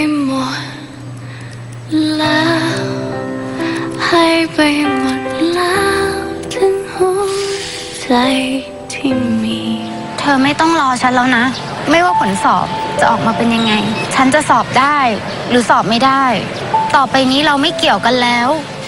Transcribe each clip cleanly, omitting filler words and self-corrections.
หมดแล้วให้ไปหมดแล้วทั้งหัวใจที่มีเธอไม่ต้องรอฉันแล้วนะไม่ว่าผลสอบจะออกมาเป็นยังไงฉันจะสอบได้หรือสอบไม่ได้ต่อไปนี้เราไม่เกี่ยวกันแล้ว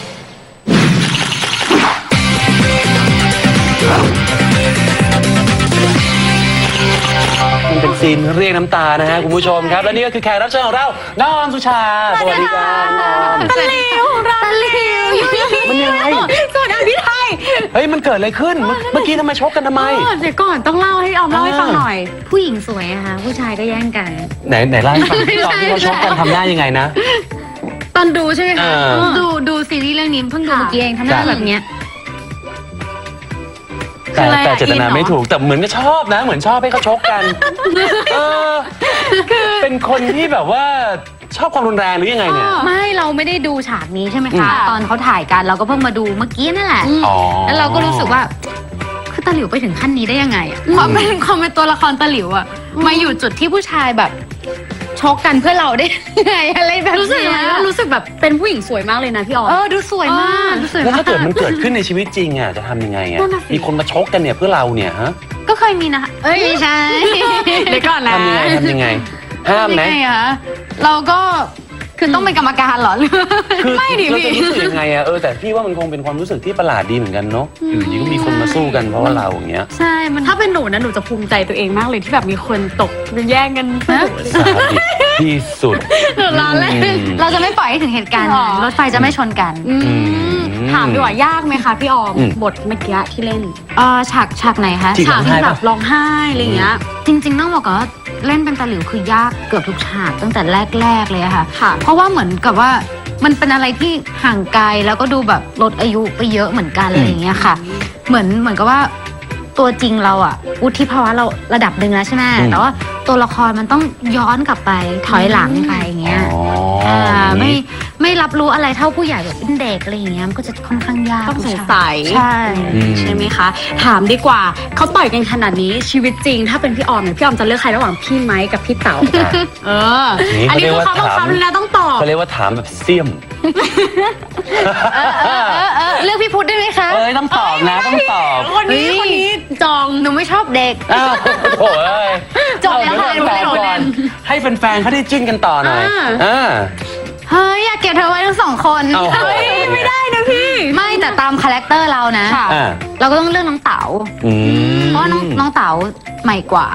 มันเป็นซีนเรียกน้ำตานะฮะคุณผู้ชมครับและนี่ก็คือแขกรับเชิญของเราน้องออมสุชาสวัสดีครับน้องออมตะลิวตะลิวมันยังไงสวัสดีพี่ไทยเฮ้ยมันเกิดอะไรขึ้นเมื่อกี้ทำไมชกกันทำไมเดี๋ยวก่อนต้องเล่าให้ออมเล่าให้ฟังหน่อยผู้หญิงสวยอะค่ะผู้ชายก็แย่งกันไหนเล่าให้ฟังตอนที่เขาชกกันทำหน้ายังไงนะตอนดูใช่ไหมคะเออดูซีรีส์เรื่องนี้เพิ่งดูเมื่อกี้เองทำหน้าแบบเนี้ยแต่เจตนาไม่ถูกแต่เหมือนก็ชอบนะเหมือนชอบให้เขาชกกันคือเป็นคนที่แบบว่าชอบความรุนแรงหรือยังไงเนี่ยไม่เราไม่ได้ดูฉากนี้ใช่ไหมคะตอนเขาถ่ายกันเราก็เพิ่งมาดูเมื่อกี้นั่นแหละอ๋อแล้วเราก็รู้สึกว่าคือตาหลิวไปถึงขั้นนี้ได้ยังไงอะความเป็นตัวละครตาหลิวอะมาอยู่จุดที่ผู้ชายแบบชกกันเพื่อเราได้ยังไงอะไรแบบรู้สึกนี้ไหมว่ารู้สึกแบบเป็นผู้หญิงสวยมากเลยนะพี่ออมดูสวยมากดูสวยแล้วมาถ้าก เกิดมันเกิดขึ้นในชีวิตจริงอ่ะจะทำยังไงอ่ะนั่นน่ะสิมีคนมาชกกันเนี่ยเพื่อเราเนี่ยฮะก็เคยมีนะคะเอ้ยไม่ใช่เดี๋ยวก่อนนะทำยังไงห้ามไหมยังไงคะเราก็คือต้องเป็นกรรมการเหรอหรือคือไม่ดิเราพี่จะรู้สึกยังไงอะแต่พี่ว่ามันคงเป็นความรู้สึกที่ประหลาดดีเหมือนกันเนาะอยู่ดีก็มีคนมาสู้กันเพราะว่าเราอย่างเงี้ยใช่มันถ้าเป็นหนูนะหนูจะภูมิใจตัวเองมากเลยที่แบบมีคนตกแย่งกันนะสาดิตที่สุดหนูล้อเล่นเราจะไม่ปล่อยให้ถึงเหตุการณ์นั้นหรอรถไฟจะไม่ชนกันถามดีกว่ายากไหมคะพี่ออมอืมบทเมื่อกี้ที่เล่นฉากไหนคะที่ฉากร้องไห้ที่แบปะบร้องไห้อะไรอย่างเงี้ยจริงๆต้องบอกก่อนว่าเล่นเป็นตาหลิวคือยากเกือบทุกฉากตั้งแต่แรกๆเลยอะค่ะค่ะเพราะว่าเหมือนกับว่ามันเป็นอะไรที่ห่างไกลแล้วก็ดูแบบลดอายุไปเยอะเหมือนกันอะไรอย่างเงี้ยค่ะ เหมือนกับว่าตัวจริงเราอะวุฒิภาวะเราระดับหนึ่งแล้วใช่ไหมแต่ว่าตัวละครมันต้องย้อนกลับไปถอยหลังไปอย่างเงี้ยอ๋อไม่รับรู้อะไรเท่าผู้ใหญ่แบบเป็นเด็กอะไรอย่างเงี้ยมันก็จะค่อนข้างยากต้องสงสัยใช่ใช่ไหมคะ ถามดีกว่าเขาต่อยกันขนาดนี้ชีวิตจริง ถ้าเป็นพี่ออมเนี่ยพี่ออมจะเลือกใครระหว่างพี่ไม้กับพี่เต๋าเออนี่อันเขานี้เรียกคือว่าเขาบังคับเลยนะต้องตอบเขาเรียกว่าถามแบบเสี่ยมเลือกพี่พุทธได้ไหมคะเอ้ยต้องตอบนะต้องตอบคนนี้จองหนูไม่ชอบเด็กอ้าวโถ่เอ้ยจบแล้วเอาเดี๋ยค่ะวก่อนให้แฟนๆเขาได้จิ้นกันต่อหน่อยเฮ้ยอยากเก็บเธอไว้ทั้งสองคนเอาเฮ้ยไม่ได้นะพี่ไม่แต่ตามคาแรคเตอร์เรานะค่ะเราก็ต้องเลือกน้องเต๋าอืมเพราะว่าน้องเต๋าใหม่กว่า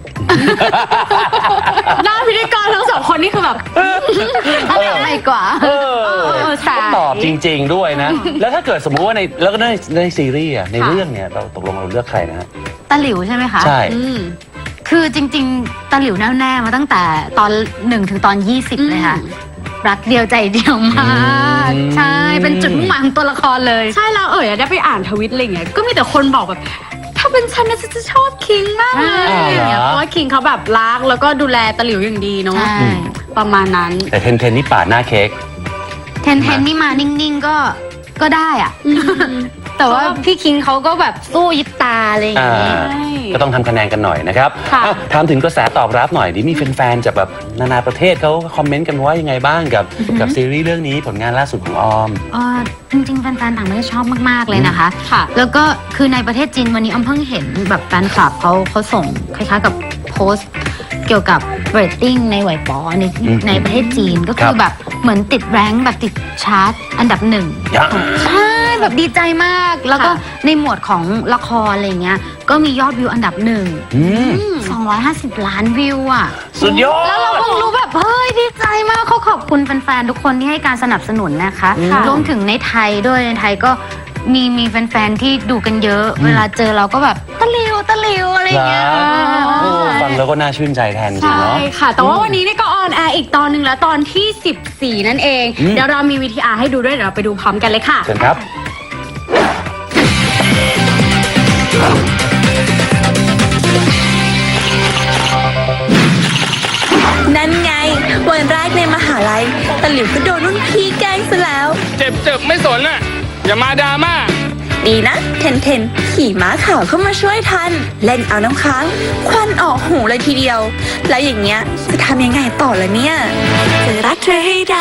หน้าพิธีกรทั้งสองคนนี่คือแบบใหม่กว่าสายตอบจริง ๆด้วยนะ แล้วถ้าเกิดสมมุติว่าแล้วก็ในซีรีส์อะในเรื่องเนี่ยเราตกลงเราเลือกใครนะฮะตาหลิวใช่ไหมคะใช่คือจริงๆตาหลิวแน่ๆมาตั้งแต่ตอน1ถึงตอน20เลยค่ะ รักเดียวใจเดียวมาก ใช่ เป็นจุดมุ่งหมายของตัวละครเลยใช่แล้วได้ไปอ่านทวิตอะไรเงี้ยก็มีแต่คนบอกแบบ ถ้าเป็นฉันนะฉันจะชอบคิงมากเลยอะไรเงี้ยเพราะว่าคิงเขาแบบรักแล้วก็ดูแลตะหลิวอย่างดีเนาะใช่ประมาณนั้นแต่เทนนี่ปาดหน้าเค้กเทนนี่มานิ่งๆก็ได้อะแต่ว่าพี่คิงเขาก็แบบสู้ยิบตาอะไรอย่างเงี้ยก็ต้องทำคะแนนกันหน่อยนะครับค่ะถามถึงกระแสตอบรับหน่อยดิมีแฟนๆจากแบบนานาประเทศเขาคอมเมนต์กันว่ายังไงบ้างกับซีรีส์เรื่องนี้ผลงานล่าสุดของออมจริงๆแฟนๆต่างประเทศชอบมากๆเลยนะคะค่ะแล้วก็คือในประเทศจีนวันนี้อ้อมเพิ่งเห็นแบบแฟนคลับเขาส่งคล้ายๆกับโพสต์เกี่ยวกับเรตติ้งในไหวป๋อในประเทศจีนก็คือแบบเหมือนติดแรงค์แบบติดชาร์ตอันดับหนึ่ง ใช่แบบดีใจมาก แล้วก็ในหมวดของละครอะไรเงี้ยก็มียอดวิวอันดับหนึ่ง250 ล้านวิวอ่ะสุดยอดแล้วเราเพิ่งรู้แบบเฮ้ยดีใจมากเขาขอบคุณแฟนๆทุกคนที่ให้การสนับสนุนนะคะค่ะรวมถึงในไทยด้วยในไทยก็มีแฟนๆที่ดูกันเยอะ เวลาเจอเราก็แบบตะหลิวอะไรอย่างเงี้ยโอ้ฟังแล้วก็น่าชื่นใจแทนจริงใช่เนาะค่ะ แต่ว่าวันนี้นี่ก็ออนแอร์อีกตอนหนึ่งแล้วตอนที่ 14 นั่นเอง เดี๋ยวเรามี VTR ให้ดูด้วยเดี๋ยวเราไปดูพร้อมกันเลยค่ะเชิญครับนั่นไงวันแรกในมหาลัยตะหลิวก็โดนรุ่นพี่แกล้งซะแล้วเจ็บไม่สนอ่ะ อย่ามาดราม่าดีนะ เทนขี่ม้าขาวเข้ามาช่วยทัน เล่นเอาน้ำค้างควันออกหูเลยทีเดียว แล้วอย่างเงี้ยจะทำยังไงต่อละเนี่ยจะรักเธอให้ได้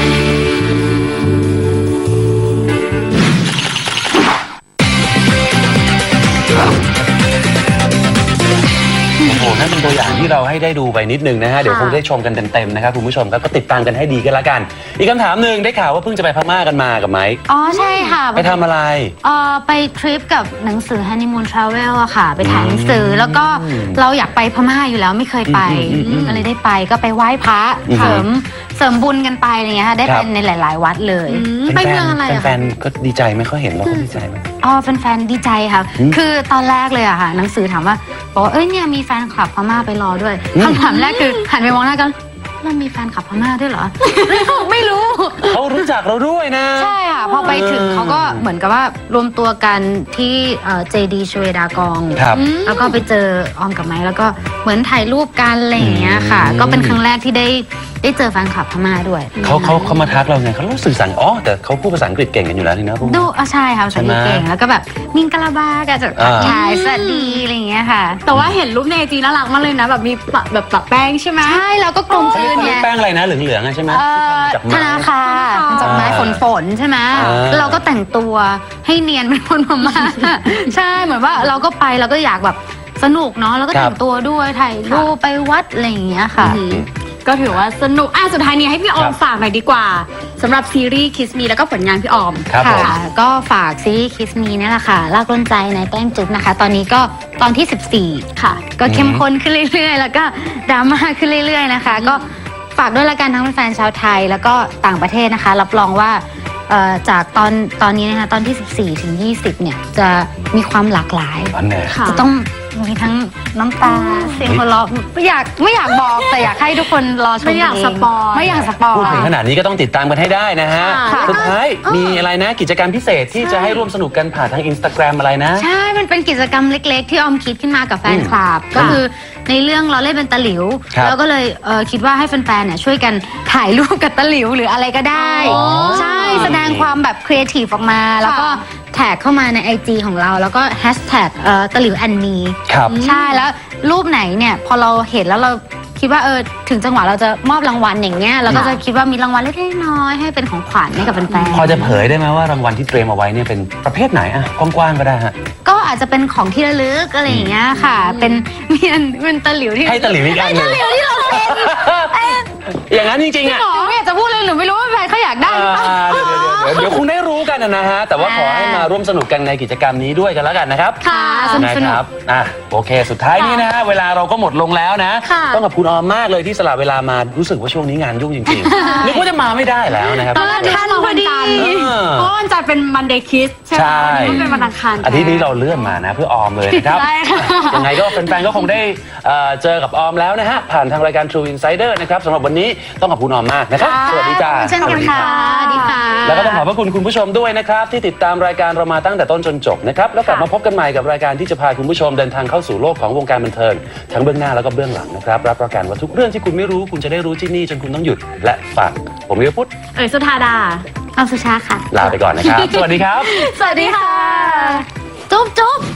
โอ้โหนั่นเป็นตัวอย่างที่เราให้ได้ดูไปนิดนึงนะฮะเดี๋ยวคงได้ชมกันเต็มๆนะครับคุณผู้ชมครับก็ติดตามกันให้ดีกันละกัน อีกคำถามหนึ่งได้ข่าวว่าเพิ่งจะไปพม่ากันมากับไมค์อ๋อใช่ค่ะไปทำอะไรไปทริปกับหนังสือ Honeymoon Travel อะค่ะ ไปถ่ายหนังสือแล้วก็เราอยากไปพม่าอยู่แล้วไม่เคยไปก็เลยได้ไปก็ไปไหว้พระเสริมบุญกันไปอะไรเงี้ยค่ะได้ครัไปบในหลาย ๆ วัดเลยไปเมืองอะไรอะแฟนๆก็ดีใจไหมเขาเห็นเราก็ดีใจไหมอ๋อแฟนๆดีใจค่ะ คือตอนแรกเลยอะค่ะ หนังสือถามว่าบอกว่าเอ้ยเนี่ยมีแฟนคลับพม่าไปรอด้วยคำถามแรกคือหันไปมองหน้ากันเรามีแฟนคลับพม่าด้วยเหรอ ไม่รู้เขารู้จักเราด้วยนะใช่ค่ะพอไปถึงเขาก็เหมือนกับว่ารวมตัวกันที่เจดีชเวดากองครับแล้วก็ไปเจอออมกับไม้แล้วก็เหมือนถ่ายรูปกันอะไรอย่างเงี้ยค่ะ ก็เป็นครั้งแรกที่ได้เจอแฟนคลับพม่าด้วยเขามาทักเราไงเขารู้สื่อสารอ๋อแต่เขาพูดภาษาอังกฤษเก่งกันอยู่แล้วนี่นะพวกดูใช่ค่ะภาษาอังกฤษใช่ไหมเก่งแล้วก็แบบมิงกะลาบาก็จะอ่าถ่ายสวัสดีอะไรอย่างเงี้ยค่ะแต่ว่าเห็นรูปในไอจีน่ารักมากเลยนะแบบมีปะแป้งใช่ไหมใช่แล้วก็กลมกลืนเขาเรีไงยกแป้งอะไรนะเหลืองๆอะใช่ไหม จากไม้ธนาคารจากไม้ฝนใช่ไหมอ่าเราก็แต่งตัวให้เนียนเป็นคนพม่า ใช่เหมือนว่าเราก็ไปเราก็อยากแบบสนุกเนาะแล้วก็แต่งตัวด้วยถ่ายรูปไปวัดอะไรอย่างเงี้ยค่ะก็ถือว่าสนุกสุดท้ายนี้ให้พี่ออมฝากหน่อยดีกว่าสำหรับซีรีส์ Kiss Me แล้วก็ผลงานพี่ออมครับผมค่ะก็ฝากซีรีส์ Kiss Me นี่แหละค่ะลากล้นใจในแต้มจุ๊บนะคะ ตอนนี้ก็ตอนที่ 14 ค่ะ ก็เข้มข้นขึ้นเรื่อยๆ แล้วก็ดราม่าขึ้นเรื่อยๆนะคะ ก็ฝากด้วยละกันทั้งแฟนๆชาวไทยแล้วก็ต่างประเทศนะคะ รับรองว่าจากตอนนี้นะคะตอนที่ 14 ถึง 20 เนี่ยจะมีความหลากหลายอันไหนค่ะจะต้องมีทั้งน้ำตาเสียงหัวเราะไม่อยากบอกแต่อยากให้ทุกคนรอชมไม่อยากเงสปอยไม่อยากสปอยพูดถึงขนาดนี้ก็ต้องติดตามกันให้ได้นะฮะค่ะสุดท้ายมีอะไรนะกิจกรรมพิเศษที่จะให้ร่วมสนุกกันผ่านทาง Instagram อะไรนะใช่ มันเป็นกิจกรรมเล็กๆ ที่ออมคิดขึ้นมากับแฟนคลับ ก็คือในเรื่องเราเล่นเป็นตะหลิวครับแล้วก็เลยคิดว่าให้แฟนๆเนี่ยช่วยกันถ่ายรูปกับตะหลิวหรืออะไรก็ได้อ๋อใช่แสดงความแบบครีเอทีฟออกมา แล้วก็แท็กเข้ามาใน IG ของเรา แล้วก็แฮชแท็กตะหลิวแอนนีครับใช่แล้วรูปไหนเนี่ยพอเราเห็นแล้วเราคิดว่าถึงจังหวะเราจะมอบรางวัลอย่างเงี้ยเราก็จะคิดว่ามีรางวัลเล็กๆน้อยๆให้เป็นของขวัญให้กับแฟนๆพอจะเผยได้ไหมว่ารางวัลที่เตรียมเอาไว้เนี่ยเป็นประเภทไหนอะกว้างๆก็ได้ฮะก็อาจจะเป็นของที่ระลึกอะไรอย่างเงี้ยค่ะ เป็นเป็นตะหลิวที่ให้ตะหลิวอีกอันหนึ่งที่เราเซ็นอย่างนั้นจริงๆอะหนูไม่อยากจะพูดเลยหนูไม่รู้ว่าแฟนเขาอยากได้หรือเปล่าเดี๋ยวคงได้รู้กันนะฮะ แต่ว่าขอให้มาร่วมสนุกกันในกิจกรรมนี้ด้วยกันแล้วกันนะครับค่ะสนุกนะสคนุกรับโอเค สุดท้ายนี้นะฮะเวลาเราก็หมดลงแล้วนะค่ะต้องขอบคุณออมมากเลยที่สละเวลามารู้สึกว่าช่วงนี้งานยุ่งจริงๆนึกว่าจะมาไม่ได้แล้วนะครับตอนแรกท่านมาวันจันทร์เออเพราะวันจันทร์เป็น Monday Kiss ใช่ไหมใช่วันนี้เป็นวันอังคารอาทิตย์นี้เราเลื่อนมานะเพื่อออมเลยนะครับใช่ค่ะยังไงก็แฟนๆก็คงได้เจอกับออมแล้วนะฮะผ่านทางรายการ True Insider นะครับสำหรับวันนี้ต้องขอบคุณออมมากนะครับสวัสดีจ้าเช่นกันค่ะสวัสดีค่ะแล้วก็ต้องขอบพระคุณคุณผู้ชมด้วยนะครับที่ติดตามรายการเรามาตั้งแต่ต้นจนจบนะครับแล้วกลับมาพบกันใหม่กับรายการที่จะพาคุณผู้ชมเดินทางเข้าสู่โลกของวงการบันเทิงทั้งเบื้องหน้าแล้วก็เบื้องหลังนะครับรับประกันว่าทุกเรื่องที่คุณไม่รู้คุณจะได้รู้ที่นี่จนคุณต้องหยุดและฟังผมวิวพุทธสุธาดาออมสุชาค่ะลาไปก่อนนะครับ สวัสดีครับสวัสดีค่ะจุ๊บจุ๊บ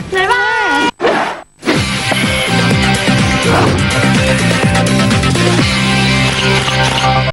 บ๊ายบาย